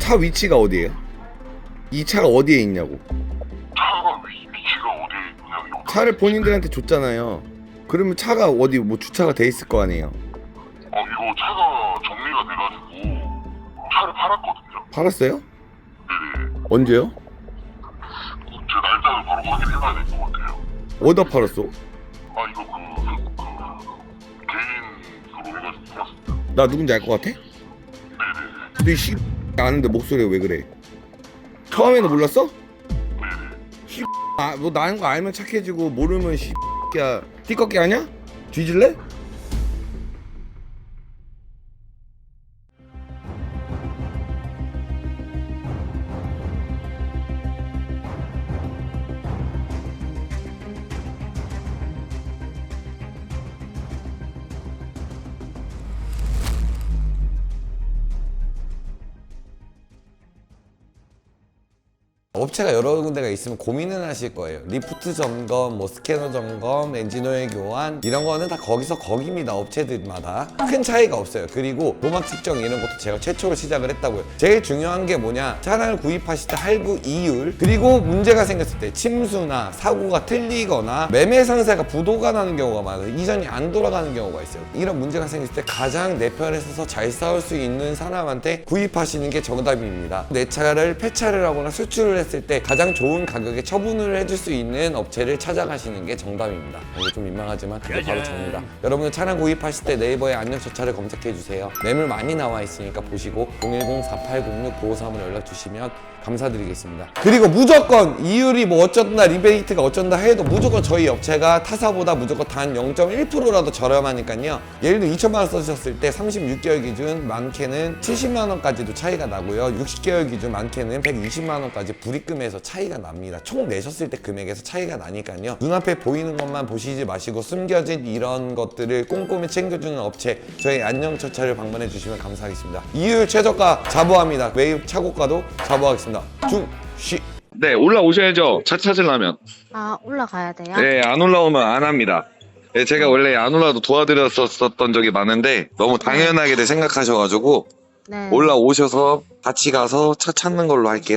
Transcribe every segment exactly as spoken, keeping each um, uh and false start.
차 위치가 어디예요? 이 차가 어디에 있냐고. 차가 위, 위치가 어디에 있냐고. 차를 본인들한테 줬잖아요. 그러면 차가 어디 뭐 주차가 돼 있을 거 아니에요. 어, 이거 차가 정리가 돼가지고 차를 팔았거든요. 팔았어요? 네네. 언제요? 제 날짜를 바로 확인해봐야 될 것 같아요. 어디다 팔았어? 아, 이거 그, 그, 그 개인으로 해가지고 팔았습니다. 나 누군지 알 것 같아? 네네. 근데 이 씨 아는데 목소리가 왜 그래? 처음에는 몰랐어? 네네. 아, 뭐 나는 거 알면 착해지고 모르면 씨야 띠껍게 하냐? 뒤질래? 업체가 여러 군데가 있으면 고민은 하실 거예요. 리프트 점검, 뭐 스캐너 점검, 엔진오일 교환 이런 거는 다 거기서 거기입니다. 업체들마다 큰 차이가 없어요. 그리고 도막 측정 이런 것도 제가 최초로 시작을 했다고요. 제일 중요한 게 뭐냐, 차량을 구입하실 때 할부 이율, 그리고 문제가 생겼을 때 침수나 사고가 틀리거나 매매 상세가 부도가 나는 경우가 많아요. 이전이 안 돌아가는 경우가 있어요. 이런 문제가 생겼을 때 가장 내 편에 서서 잘 싸울 수 있는 사람한테 구입하시는 게 정답입니다. 내 차를 폐차를 하거나 수출을 했을 때 가장 좋은 가격에 처분을 해줄 수 있는 업체를 찾아가시는 게 정답입니다. 이거 좀 민망하지만 그게 바로 접니다. 여러분 차량 구입하실 때 네이버에 안녕저차를 검색해주세요. 매물 많이 나와 있으니까 보시고 공일공 사팔공육 구오삼으로 연락 주시면 감사드리겠습니다. 그리고 무조건 이율이 뭐 어쩐다, 리베이트가 어쩐다 해도 무조건 저희 업체가 타사보다 무조건 단 영 점 일 퍼센트라도 저렴하니까요. 예를 들어 이천만 원 써주셨을 때 삼십육 개월 기준 많게는 칠십만 원까지도 차이가 나고요. 육십 개월 기준 많게는 백이십만 원까지 불입금에서 차이가 납니다. 총 내셨을 때 금액에서 차이가 나니까요. 눈앞에 보이는 것만 보시지 마시고 숨겨진 이런 것들을 꼼꼼히 챙겨주는 업체 저희 안녕처차를 방문해 주시면 감사하겠습니다. 이율 최저가 자부합니다. 매입 차고가도 자부하겠습니다. 중시. 네, 올라오셔야죠. 차 찾으려면. 아, 올라가야 돼요? 네, 안 올라오면 안 합니다. 네, 제가 원래 안 올라도 도와드렸었던 적이 많은데 너무 당연하게 생각하셔가지고 네. 올라오셔서 같이 가서 차 찾는 걸로 할게요.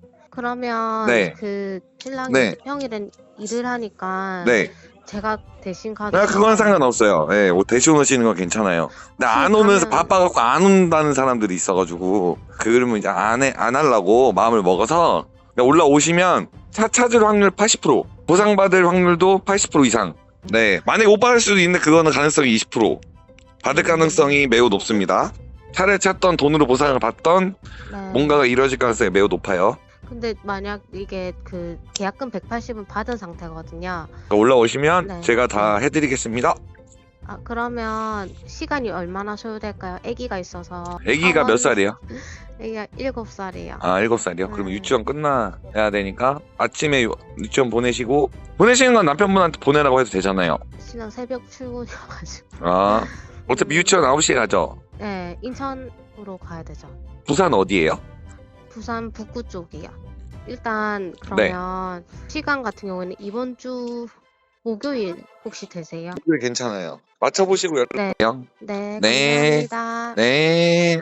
그러면 네. 그 신랑이 네. 평일엔 일을 하니까 네, 제가 대신 가도 아, 그건 상관없어요. 네, 뭐 대신 오시는 건 괜찮아요. 근데 안 오면서 그러면- 바빠갖고 안 온다는 사람들이 있어가지고 그러면 이제 안 해, 안 하려고 마음을 먹어서 그냥 올라오시면 차 찾을 확률 팔십 퍼센트, 보상받을 확률도 팔십 퍼센트 이상. 네, 만약에 못 받을 수도 있는데 그거는 가능성이 이십 퍼센트. 받을 가능성이 매우 높습니다. 차를 찾던 돈으로 보상을 받던 네. 뭔가가 이루어질 가능성이 매우 높아요. 근데 만약 이게 그 계약금 백팔십은 받은 상태거든요. 그러니까 올라오시면 네. 제가 다 해드리겠습니다. 아, 그러면 시간이 얼마나 소요될까요? 아기가 있어서. 아기가 몇 살이에요? 아기가 일곱 살이에요. 아, 일곱 살이요? 그러면 네. 유치원 끝나야 되니까 아침에 유- 유치원 보내시고, 보내시는 건 남편분한테 보내라고 해도 되잖아요. 신랑 새벽 출근이어가지고. 아, 어차피 유치원 아홉 시에 가죠. 네, 인천으로 가야 되죠. 부산 어디예요? 부산 북구 쪽이요. 일단 네. 그러면 시간 같은 경우에는 이번 주 목요일 혹시 되세요? 그게 괜찮아요. 맞춰보시고 네. 연락해요. 네, 네. 감사합니다. 네.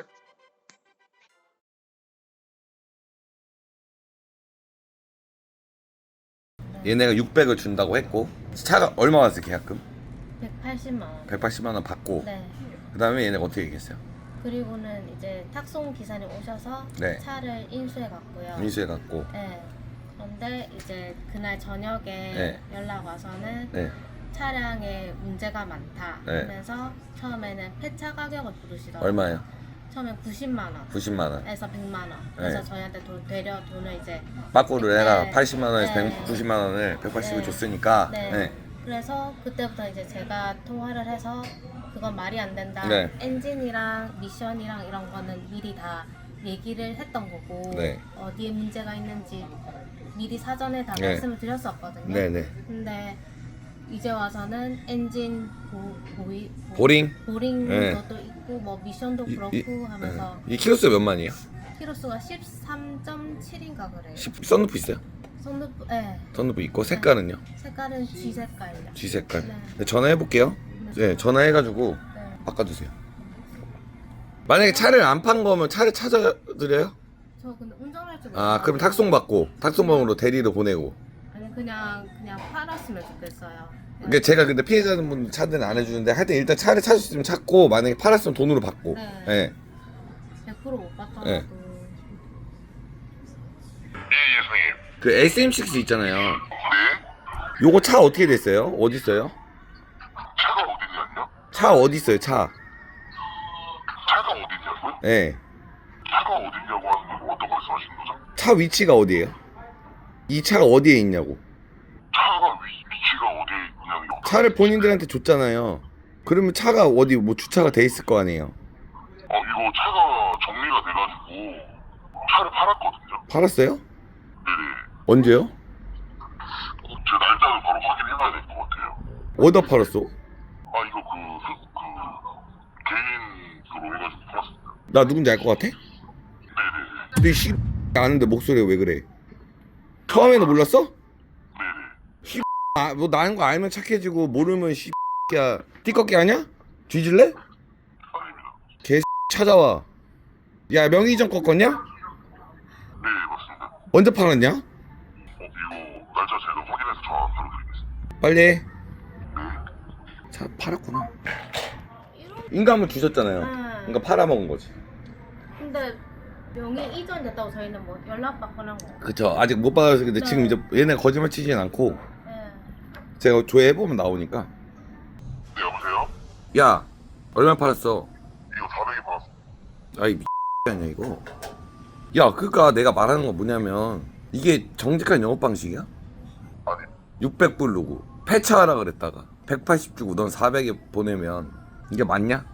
얘네가 육백을 준다고 했고 차가 얼마 왔어요 계약금? 백팔십만 원. 백팔십만 원 받고 네. 그 다음에 얘네가 어떻게 얘기했어요? 그리고는 이제 탁송 기사님 오셔서 네. 차를 인수해 갔고요. 인수해 갖고 네. 그런데 이제 그날 저녁에 네. 연락 와서는 네. 차량에 문제가 많다 네. 하면서 처음에는 폐차 가격을 부르시더라고요. 얼마예요? 처음엔 구십만 원. 구십만 원 에서 백만 원. 그래서 네. 저희한테 돈, 되려 돈을 이제 빠꾸를 해라. 네. 팔십만 원에서 네. 백구십만 원을 백팔십을 네. 줬으니까 네. 네. 그래서 그때부터 이제 제가 통화를 해서 그건 말이 안 된다. 네. 엔진이랑 미션이랑 이런 거는 미리 다 얘기를 했던 거고 네. 어디에 문제가 있는지 미리 사전에 다 네. 말씀을 드렸었거든요. 네네. 근데 이제 와서는 엔진 보, 보이, 보, 보링? 보링 네. 것도 있고 뭐 미션도 이- 그렇고 이- 하면서 네. 이 키로수 몇 만이에요? 키로수가 십삼 점 칠인가 그래요. 십 썬루프 있어요? 손톱, 예. 썬루프 있고 색깔은요? 색깔은 G 색깔이요. G 색깔. 네. 네, 전화해 볼게요. 네, 전화해가지고 네. 바꿔주세요. 만약에 차를 안 판 거면 차를 찾아드려요? 저 근데 운전할 줄 아 그럼 탁송 받고 탁송번호로 대리로 보내고. 아니 그냥 그냥 팔았으면 좋겠어요. 그러니까 제가 근데 피해자는 분 차들은 안 해주는데 하여튼 일단 차를 찾을 수 있으면 찾고 만약에 팔았으면 돈으로 받고. 네. 예. 백 퍼센트 못 받더라도. 네. 예, 예수님. 그 에스엠 식스 있잖아요. 네? 요거 차 어떻게 됐어요? 어디 있어요? 차가 어디냐고요? 차 어디 있어요? 차. 차가 어디냐고요? 예. 차가 어디냐고 하는 건 어떤 말씀하시는 거죠? 차 위치가 어디예요? 이 차가 어디에 있냐고. 차가 위, 위치가 어디에 있냐고요? 차를 본인들한테 줬잖아요. 그러면 차가 어디 뭐 주차가 돼 있을 거 아니에요. 어, 이거 차가 정리가 돼가지고 차를 팔았거든요. 팔았어요? 네네. 언제요? 어, 제 날짜를 바로 확인해봐야 될 것 같아요. 어디다 팔았어? 아, 이거 그, 그, 그 개인으로 해가지고 팔았습니다. 나 누군지 알 것 같아? 네네네. 근데 씨 아는데 목소리가 왜 그래? 처음에는 몰랐어? 네네. 아 뭐 나는 거 알면 착해지고 모르면 씨야 띠껍게 하냐? 뒤질래? 아닙니다. 개 찾아와. 야 명의전 꺾었냐? 네, 맞습니다. 언제 팔았냐? 어, 이거 날짜 제가 확인해서 전화 드려드리겠습니다. 빨리 해. 네. 차 팔았구나. 인감을 주셨잖아요. 그러니까 팔아먹은 거지. 근데 명의 이전 됐다고 저희는 뭐 연락 받거나 뭐. 그쵸. 아직 못 받아서 근데 네. 지금 이제 얘네 거짓말 치진 않고 네. 제가 조회해보면 나오니까. 네, 여보세요? 야 얼마 팔았어? 이거 사백에 팔았습니다. 아이 미 아니야 이거. 야 그니까 내가 말하는 건 뭐냐면 이게 정직한 영업 방식이야? 아니, 육백 부르고 폐차하라 그랬다가 백팔십 주고 넌 사백에 보내면 이게 맞냐?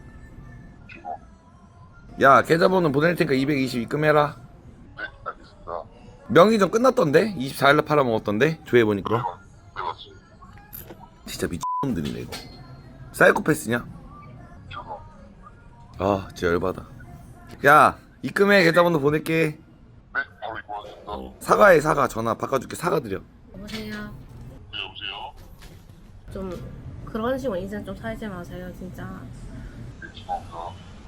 죄송. 야 계좌번호 보낼 테니까 이백이십 입금해라. 네, 알겠습니다. 명의전 끝났던데? 이십사일날 팔아먹었던데? 조회해보니까 네, 맞습니다. 진짜 미친놈들이네 이거. 사이코패스냐? 죄송. 아 진짜 열받아. 야 입금해. 계좌번호 보낼게. 네, 바로 입고 하겠습니다. 사과해. 사과. 전화 바꿔줄게. 사과드려. 여보세요. 네, 여보세요? 좀 그런 식으로 인생 좀 살지 마세요 진짜. 네, 죄송합니다.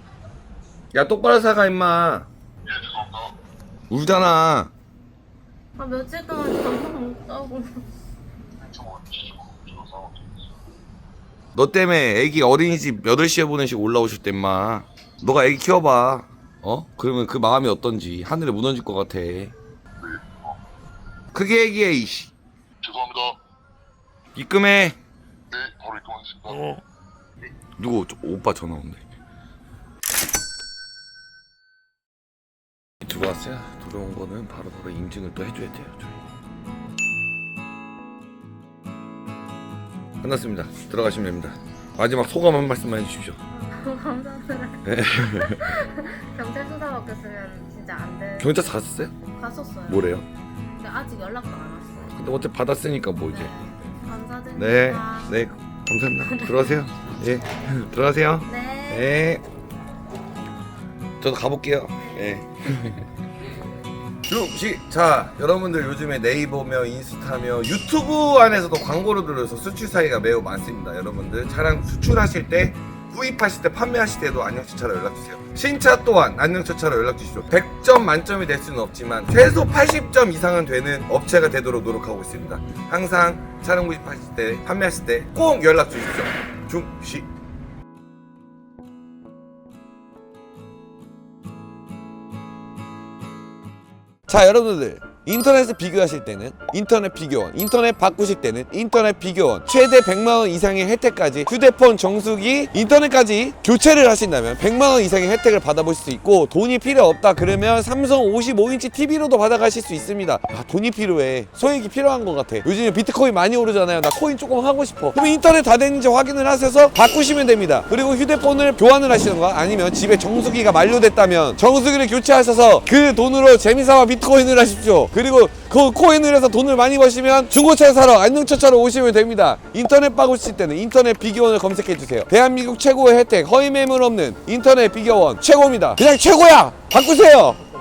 야 똑바로 사과 임마. 예, 죄송합니다. 울잖아. 아 며칠 동안 잠도 못 자고. 저거, 저거 상황 되겠어요. 너 때문에 애기 어린이집 여덟 시에 보내시고 올라오실 때 임마. 너가 애기 키워봐. 어? 그러면 그 마음이 어떤지 하늘에 무너질 것 같아. 네, 어, 크게 얘기해 이씨. 죄송합니다. 입금해. 네, 바로 입금하겠습니다. 누구? 저, 오빠 전화 온대. 들어왔어요. 들어온 거는 바로 바로 인증을 또 해줘야 돼요. 저희. 끝났습니다. 들어가시면 됩니다. 마지막 소감 한 말씀만 해주십시오. 감사합니다. 네. 경찰 수사 받겠으면 진짜 안 돼. 경찰서 갔었어요? 갔었어요. 뭐래요? 근데 아직 연락도 안 왔어요. 근데 어차피 받았으니까 뭐 이제. 네. 감사드립니다. 네, 네, 감사합니다. 들어가세요. 예, 들어가세요. 네. 네. 저도 가볼게요. 예. 시, 자, 여러분들 요즘에 네이버며 인스타며 유튜브 안에서도 광고를 들어서 수출 사기가 매우 많습니다. 여러분들 차량 수출하실 때, 구입하실 때, 판매하실 때도 안녕차차로 연락주세요. 신차 또한 안녕차차로 연락주십시오. 백 점 만점이 될 수는 없지만 최소 팔십 점 이상은 되는 업체가 되도록 노력하고 있습니다. 항상 차량 구입하실 때, 판매하실 때 꼭 연락 주십시오. 중시. 자 여러분들 인터넷을 비교하실 때는 인터넷 비교원, 인터넷 바꾸실 때는 인터넷 비교원, 최대 백만 원 이상의 혜택까지 휴대폰 정수기, 인터넷까지 교체를 하신다면 백만 원 이상의 혜택을 받아보실 수 있고, 돈이 필요 없다 그러면 삼성 오십오 인치 티비로도 받아가실 수 있습니다. 아, 돈이 필요해. 소액이 필요한 것 같아. 요즘에 비트코인 많이 오르잖아요. 나 코인 조금 하고 싶어. 그럼 인터넷 다 됐는지 확인을 하셔서 바꾸시면 됩니다. 그리고 휴대폰을 교환을 하시던가 아니면 집에 정수기가 만료됐다면 정수기를 교체하셔서 그 돈으로 재미삼아 비트코인을 하십시오. 그리고 그 코인을 해서 돈을 많이 버시면 중고차 사러 안녕차차로 오시면 됩니다. 인터넷 바꾸실 때는 인터넷 비교원을 검색해주세요. 대한민국 최고의 혜택, 허위 매물 없는 인터넷 비교원 최고입니다. 그냥 최고야! 바꾸세요!